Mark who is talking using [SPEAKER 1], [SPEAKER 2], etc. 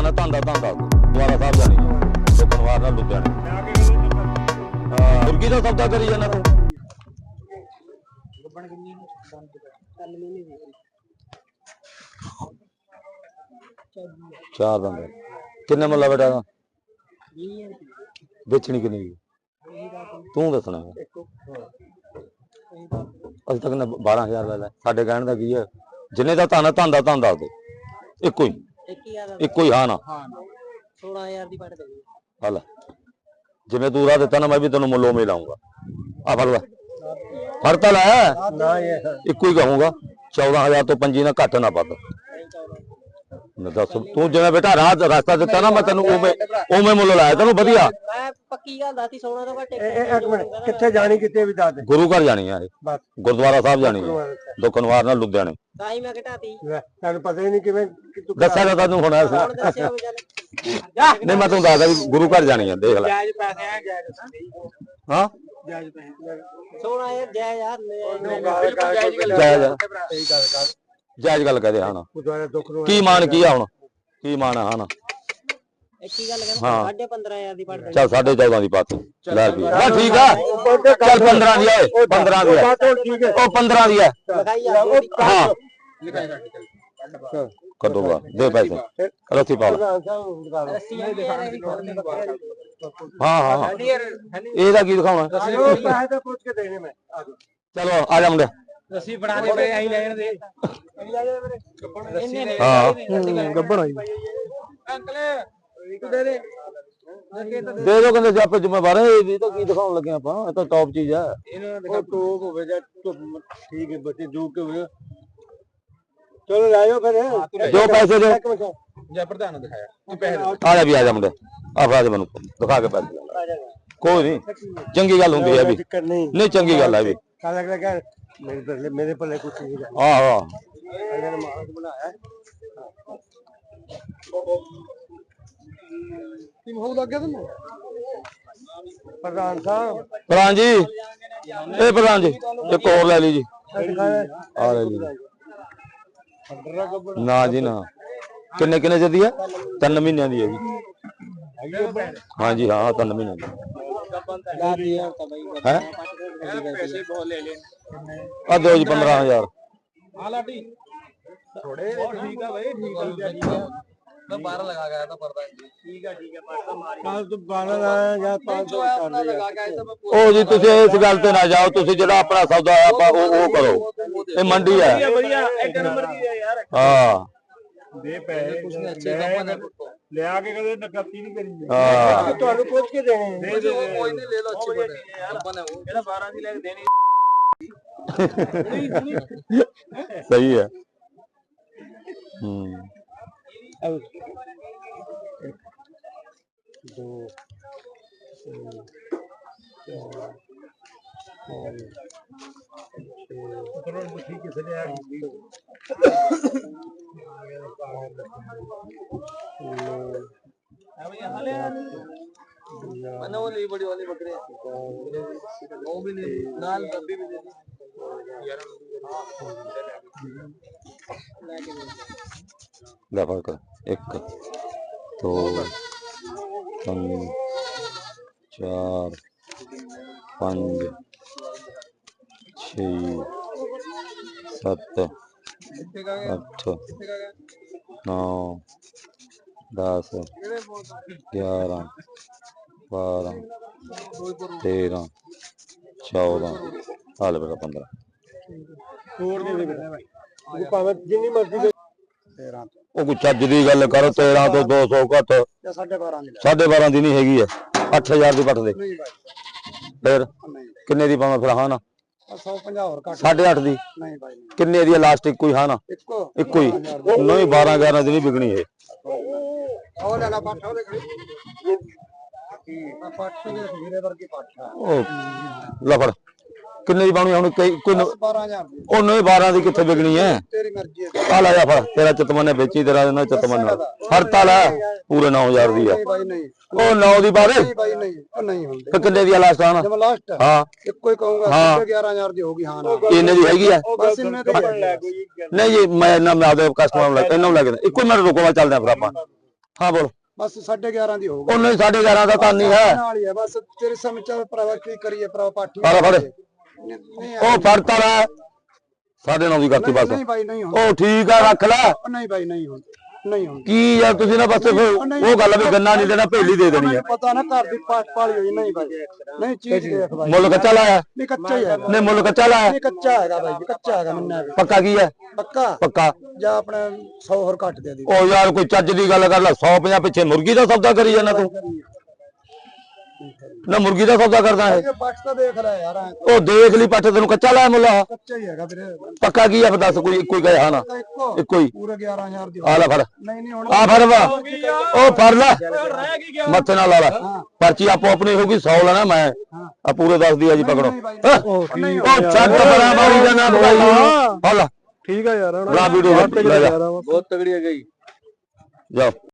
[SPEAKER 1] ਧੰਦਾ ਧੰਦਾ ਦੁਆਰਾ ਸਾਹਿਬ ਜਾਣੀ ਦੁਕਾਨਵਾਰ ਨਾਲ ਲੁਧਿਆਣੇ ਮੁਰਗੀ ਦਾ ਸੌਦਾ ਕਰੀ ਜਾਂਦਾ ਤੂੰ। ਚਾਰ ਦੰਦ ਕਿੰਨੇ ਮੁੱਲਾ ਬੇਟਾ ਦਾ ਵੇਚਣੀ ਕਿੰਨੀ ਤੂੰ ਦੱਸਣਾ। ਅਜੇ ਤੱਕ 12,000 ਲੈ ਲੈ ਸਾਡੇ ਕਹਿਣ ਦਾ ਕੀ ਹੈ ਜਿੰਨੇ ਦਾ ਧੰਦਾ ਧੰਦਾ ਦੇ ਇੱਕੋ ਹੀ ਹਾਂ ਨਾ
[SPEAKER 2] 16000 ਦੀ ਪੜ ਦੇ
[SPEAKER 1] ਹਲ ਜਿਵੇਂ ਤੂੰ ਰਾਹ ਦਿੱਤਾ ਨਾ ਮੈਂ ਵੀ ਤੈਨੂੰ ਮੁੱਲੋਂ ਮੇ ਲਾਉਂਗਾ ਆ ਫੜ ਲੈ ਫੜ ਤਾਂ ਲੈ ਇੱਕੋ ਹੀ ਕਹੂੰਗਾ 14,000 ਤੋਂ 25 ਨਾ ਘੱਟ ਨਾ ਵੱਧ। ਦੱਸ ਤੂੰ ਜਿਵੇਂ ਬੇਟਾ ਰਸਤਾ ਦਿੱਤਾ ਨਾ ਮੈਂ ਤੈਨੂੰ ਉਵੇਂ ਮੁੱਲ ਲਾਇਆ ਤੈਨੂੰ ਵਧੀਆ।
[SPEAKER 2] ਮੈਂ ਪੱਕੀ ਗੱਲ ਦੱਸੀ 16 ਤੋਂ ਘੱਟ
[SPEAKER 3] ਇੱਕ ਮਿੰਟ ਕਿੱਥੇ ਜਾਣੀ ਕਿਤੇ ਵੀ ਦੱਸ ਦੇ।
[SPEAKER 1] ਗੁਰੂ ਘਰ ਜਾਣੀ ਆ ਇਹ ਗੁਰਦੁਆਰਾ ਸਾਹਿਬ ਜਾਣੀ ਹੈ ਦੁਕਾਨਵਾਰ ਨਾਲ ਲੁਧਿਆਣੇ।
[SPEAKER 2] ਤਾਂ ਹੀ ਮੈਂ ਘਟਾਤੀ
[SPEAKER 3] ਤੈਨੂੰ ਪਤਾ ਹੀ ਨਹੀਂ ਕਿਵੇਂ
[SPEAKER 1] ਦੱਸਿਆ ਤਾਂ ਤੈਨੂੰ ਹੁਣ ਨਹੀਂ ਮੈਂ ਤੈਨੂੰ ਦੱਸਦਾ ਵੀ ਗੁਰੂ ਘਰ ਜਾਣੀ ਆ ਦੇਖ ਲੈ।
[SPEAKER 3] ਜਾਇਜ਼ ਪੈਸੇ ਆ ਜਾਇਜ਼
[SPEAKER 1] ਹਾਂ
[SPEAKER 3] ਜਾਇਜ਼ ਪੈਸੇ
[SPEAKER 2] 16000 ਜਾਇਜ਼ ਯਾਰ
[SPEAKER 1] ਜਾਇਜ਼ ਗੱਲ ਕਹਦੇ ਹਾਂ
[SPEAKER 3] ਗੁਰਦੁਆਰਾ ਦੁੱਖ ਨੂੰ
[SPEAKER 1] ਕੀ ਮਾਨ ਕੀ ਆ ਹੁਣ ਕੀ ਮਾਨ ਆ ਹਾਂ
[SPEAKER 2] ਇੱਕ ਹੀ ਗੱਲ ਕਹਿੰਦਾ 15,500 ਦੀ ਪੜ ਦੇ
[SPEAKER 1] ਚੱਲ 14.5 ਦੀ ਪਾਤੀ ਲੈ ਵੀ ਬਸ ਠੀਕ ਆ ਚੱਲ 15 ਦੀ ਆ 15 ਦੀ ਆ ਉਹ 15 ਦੀ ਆ ਹਾਂ ਕੱਢੂਗਾ ਦੇ ਪੈਸੇ ਰੱਸੀ ਪਾ ਲੈ ਹਾਂ ਇਹਦਾ ਕੀ ਦਿਖਾਉਣਾ
[SPEAKER 3] ਪੈਸੇ ਤਾਂ ਪੁੱਛ ਕੇ ਦੇਣੇ ਮੈਂ
[SPEAKER 1] ਚਲੋ ਆ ਜਾ ਮੁੰਡੇ
[SPEAKER 3] ਰੱਸੀ ਬਣਾ ਦੇ ਪਏ ਆਈ ਲੈਣ ਦੇ
[SPEAKER 1] ਹਾਂ
[SPEAKER 3] ਗੱਬੜ ਹੋਈ ਅੰਕਲ ਦੇ ਦੇ
[SPEAKER 1] ਦੇ ਦੋ ਕਹਿੰਦੇ ਜਾਪੇ ਜ਼ਿੰਮੇਵਾਰ ਇਹ ਤਾਂ ਕੀ ਦਿਖਾਉਣ ਲੱਗੇ ਆਪਾਂ ਇਹ ਤਾਂ ਟੌਪ ਚੀਜ਼ ਆ
[SPEAKER 3] ਇਹਨਾਂ ਨੇ ਦੇਖੋ ਟੋਪ ਹੋਵੇ ਜਾਂ ਠੀਕ ਹੈ ਬੱਚੇ ਜੂਕ ਕੇ ਹੋਵੇ ਚਲੋ ਲੈ ਜਾਓ ਫਿਰ
[SPEAKER 1] ਜੋ ਪੈਸੇ ਦੇ
[SPEAKER 3] ਜਾਂ ਪ੍ਰਧਾਨ ਨੂੰ ਦਿਖਾਇਆ ਤੂੰ ਪੈਸੇ
[SPEAKER 1] ਆ ਜਾ ਵੀ ਆ ਜਾ ਮੁੰਡੇ ਆ ਫੜਾ ਦੇ ਮੈਨੂੰ ਦਿਖਾ ਕੇ ਪੈਸੇ ਕੋਈ ਨਹੀਂ ਚੰਗੀ ਗੱਲ ਹੁੰਦੀ ਹੈ ਵੀ ਨਹੀਂ ਚੰਗੀ ਗੱਲ ਹੈ ਵੀ
[SPEAKER 3] ਕਾਲਾ ਕਰ ਮੇਰੇ ਪੱਲੇ ਕੁਝ ਨਹੀਂ ਹੈ
[SPEAKER 1] ਆਹ
[SPEAKER 3] ਇਹਨਾਂ ਨੇ ਮਾਹੌਲ ਬਣਾਇਆ ਕੀ ਮਾਹੌਲ ਲੱਗ ਗਿਆ ਤੈਨੂੰ ਪ੍ਰਧਾਨ ਸਾਹਿਬ
[SPEAKER 1] ਪ੍ਰਧਾਨ ਜੀ ਇਹ ਪ੍ਰਧਾਨ ਜੀ ਇੱਕ ਹੋਰ ਲੈ ਲਈ ਜੀ ਆ ਲੈ ਜੀ ਨਾ ਜੀ ਨਾ ਕਿੰਨੇ ਦੀ ਹੈ 3 ਮਹੀਨਿਆਂ ਦੀ ਹੈ ਜੀ ਹਾਂਜੀ ਹਾਂ 3 ਮਹੀਨਿਆਂ ਦੀ ਹੈ
[SPEAKER 3] ਪੈਸੇ ਬਹੁਤ ਲੈ ਲੈ
[SPEAKER 1] ਆ ਦਿਓ ਜੀ 15,000
[SPEAKER 3] ਆ ਲਾਟੀ ਥੋੜੇ ਠੀਕ ਆ ਭਾਈ ਠੀਕ ਆ मैं 12 लगा गया था पर्दा ठीक है पर्दा मार कल तो 12 लाया या 500 लगा के आया था मैं
[SPEAKER 1] ओ जी तुझे इस गल ते ना जाओ तुझे जेड़ा अपना सौदा है आपा वो करो ये मंडी है
[SPEAKER 3] बढ़िया एक नंबर की है यार
[SPEAKER 1] हां
[SPEAKER 3] दे पैसे कुछ नहीं अच्छे कंपनी ले आके कदे नकती नहीं करी हां ਤੁਹਾਨੂੰ ਪੁੱਛ ਕੇ ਦੇਣੇ
[SPEAKER 2] दे कोई नहीं ले लो अच्छी बने कंपनी वो
[SPEAKER 3] ਇਹਦਾ 12 ਦੀ ਲੈ ਕੇ ਦੇਣੀ
[SPEAKER 1] सही है
[SPEAKER 3] दो ठीक है चले
[SPEAKER 2] मैंने वो ली बड़ी वाली बकरी वो भी ले नाल डब्बी भी दे दी
[SPEAKER 1] ले फड़ 1 2 3 4 5 6 7 8 9 10 11 12 13 14 हाल बेटा 15
[SPEAKER 3] छोड़ दे भाई भावे जिन्नी मर्जी दे 13
[SPEAKER 1] ਉਹ ਕੋਈ ਚੱਜ ਦੀ ਗੱਲ ਕਰ 13 ਤੋਂ 200 ਘੱਟ
[SPEAKER 3] ਜਾਂ 12.5 ਦੀ
[SPEAKER 1] 12.5 ਦੀ ਨਹੀਂ ਹੈਗੀ ਹੈ 8000 ਦੀ ਪੱਟ ਦੇ ਫਿਰ ਕਿੰਨੇ ਦੀ ਪਾਵਾਂ ਫਿਰ ਹਾਂ ਨਾ
[SPEAKER 3] 150 ਹੋਰ ਘੱਟ
[SPEAKER 1] 8.5 ਦੀ
[SPEAKER 3] ਨਹੀਂ ਭਾਈ
[SPEAKER 1] ਕਿੰਨੇ ਦੀ ਲਾਸਟ ਇੱਕੋ ਹੀ ਹਾਂ ਨਾ ਇੱਕੋ ਹੀ ਨਹੀਂ 12 11 ਦੀ ਨਹੀਂ ਵਿਕਣੀ ਇਹ
[SPEAKER 3] ਉਹ ਲੈ ਲਾ ਪੱਠ ਉਹਦੇ ਖੜੀ ਪੱਠ ਦੇ ਵੀਰੇ ਵਰਗੀ ਪੱਠ ਆ
[SPEAKER 1] ਉਹ ਲਫੜ ਕਿੰਨੇ ਦੀ ਪਾਉਣੀ ਹੁਣ ਕੋਈ
[SPEAKER 3] 12000 ਦੀ
[SPEAKER 1] ਉਹ ਨਹੀਂ 12 ਦੀ ਕਿੱਥੇ ਵਿਕਣੀ ਹੈ
[SPEAKER 3] ਤੇਰੀ ਮਰਜ਼ੀ ਹੈ
[SPEAKER 1] ਆ ਲੈ ਜਾ ਫੜ ਤੇਰਾ ਚਤਮਨੇ ਵੇਚੀ ਤੇਰਾ ਨਾ ਚਤਮਨ ਫੜਤਾ ਲੈ ਪੂਰੇ 9000 ਦੀ ਆ
[SPEAKER 3] ਭਾਈ ਨਹੀਂ
[SPEAKER 1] ਉਹ 9 ਦੀ ਬਾਰੇ
[SPEAKER 3] ਭਾਈ ਨਹੀਂ ਉਹ ਨਹੀਂ ਹੁੰਦੇ
[SPEAKER 1] ਫਿਰ ਕਿੰਨੇ ਦੀ ਲਾਸਟ ਆਣਾ
[SPEAKER 3] ਜਦ ਲਾਸਟ
[SPEAKER 1] ਹਾਂ
[SPEAKER 3] ਇੱਕੋ ਹੀ ਕਹੂੰਗਾ 11000 ਦੀ ਹੋਗੀ ਹਾਂ ਨਾ
[SPEAKER 1] ਇੰਨੇ ਦੀ ਹੈਗੀ ਆ
[SPEAKER 3] ਬਸ ਇੰਨੇ ਤੇ ਲੈ ਕੋਈ
[SPEAKER 1] ਨਹੀਂ ਜੀ ਮੈਂ ਨਾ ਮੈਂ ਆਪਦੇ ਕਸਟਮਰ ਨੂੰ ਲੈ ਇਹਨਾਂ ਨੂੰ ਲੈ ਕੇ ਇੱਕੋ ਮਿੰਟ ਰੁਕੋ ਮੈਂ ਚੱਲਦੇ ਆ ਫਿਰ ਆਪਾਂ ਹਾਂ ਬੋਲ।
[SPEAKER 3] ਬਸ 11.5 ਦੀ ਹੋਊਗਾ।
[SPEAKER 1] ਉਹ ਨਹੀਂ 11.5 ਦਾ ਤਾਂ ਨਹੀਂ ਹੈ।
[SPEAKER 3] ਨਾਲ ਹੀ ਹੈ ਬਸ ਤੇਰੇ ਸਮਝ ਚ ਭਰਾਵਾ ਕੀ ਕਰੀਏ ਭਰਾਵਾ ਪਾਠੀ
[SPEAKER 1] ਫੜ
[SPEAKER 3] ਨਹੀਂ
[SPEAKER 1] ਉਹ ਫੜਤਾ ਲੈ 9.5 ਦੀ ਕਰਤੀ ਬਸ।
[SPEAKER 3] ਨਹੀਂ ਬਾਈ ਨਹੀਂ ਹੁੰਦਾ।
[SPEAKER 1] ਉਹ ਠੀਕ ਆ ਰੱਖ ਲੈ।
[SPEAKER 3] ਨਹੀਂ ਬਾਈ ਨਹੀਂ ਹੁੰਦਾ ਨਹੀਂ ਹੁੰਦਾ।
[SPEAKER 1] ਕੀ ਯਾਰ ਤੁਸੀਂ ਨਾ ਬਸ ਉਹ ਗੱਲ ਵੀ ਗੰਨਾ ਨਹੀਂ ਦੇਣਾ ਭੇਲੀ ਦੇ ਦੇਣੀ ਹੈ।
[SPEAKER 3] ਪਤਾ ਨਾ ਘਰ ਦੀ ਪਾਲੀ ਹੋਈ ਨਹੀਂ ਬਾਈ ਨਹੀਂ ਚੀਜ਼ ਦੇਖ ਬਾਈ।
[SPEAKER 1] ਮੁੱਲ ਕੱਚਾ ਲਾਇਆ?
[SPEAKER 3] ਨਹੀਂ ਕੱਚਾ ਹੀ ਹੈ।
[SPEAKER 1] ਨਹੀਂ ਮੁੱਲ ਕੱਚਾ ਲਾਇਆ?
[SPEAKER 3] ਨਹੀਂ ਕੱਚਾ ਹੈਗਾ ਬਾਈ ਕੱਚਾ ਹੈਗਾ ਮੰਨਿਆ ਵੀ।
[SPEAKER 1] ਪੱਕਾ ਕੀ ਹੈ?
[SPEAKER 3] ਪੱਕਾ ਜਾਂ ਆਪਣੇ 100 ਹੋਰ ਘੱਟ ਦੇ ਦੀ।
[SPEAKER 1] ਉਹ ਯਾਰ ਕੋਈ ਚੱਜ ਦੀ ਗੱਲ ਕਰ ਲੈ 150 ਪਿੱਛੇ ਮੁਰਗੀ ਦਾ ਸੌਦਾ ਕਰੀ ਜਾਂਦਾ ਤੂੰ। ਨਾ ਮੁਰਗੀ ਦਾ ਸੌਦਾ ਕਰਦਾ ਹੈ।
[SPEAKER 3] ਪੱਟ ਤਾਂ ਦੇਖ ਲੈ ਯਾਰ।
[SPEAKER 1] ਉਹ ਦੇਖ ਲਈ ਪੱਠ ਤੈਨੂੰ ਕੱਚਾ ਲਾਇਆ ਮੁੱਲ?
[SPEAKER 3] ਕੱਚਾ ਹੀ ਹੈਗਾ ਵੀਰੇ।
[SPEAKER 1] ਪੱਕਾ ਕੀ ਹੈ ਦੱਸ ਕੋਈ ਇੱਕੋ ਹੀ ਕਹੇ ਹਾਂ ਨਾ ਇੱਕੋ ਹੀ।
[SPEAKER 3] ਪੂਰੇ 11,000 ਦੀ।
[SPEAKER 1] ਆ ਲੈ ਫੜ।
[SPEAKER 3] ਨਹੀਂ ਹੁਣ
[SPEAKER 1] ਆ ਫੜ ਵਾ ਉਹ ਫੜ ਲੈ ਮੱਥੇ ਨਾਲ ਲਾ ਲੈ ਪਰਚੀ ਆਪੋ ਆਪਣੀ ਹੋਊਗੀ 100 ਲੈਣਾ ਮੈਂ ਆ ਪੂਰੇ 10 ਦੀ ਆ ਜੀ ਪਕੜੋ। ਉਹ ਛੱਡ ਬੜਾ ਮਾਰੀ ਜਾਣਾ ਦਵਾਈ ਨੂੰ। ਹਾਂ ਲੈ
[SPEAKER 3] ਠੀਕ ਆ ਯਾਰ
[SPEAKER 1] ਲਾ ਵੀਡੀਓ
[SPEAKER 2] ਬਹੁਤ ਤਗੜੀ ਹੈ ਗਈ।
[SPEAKER 1] ਜਾਓ।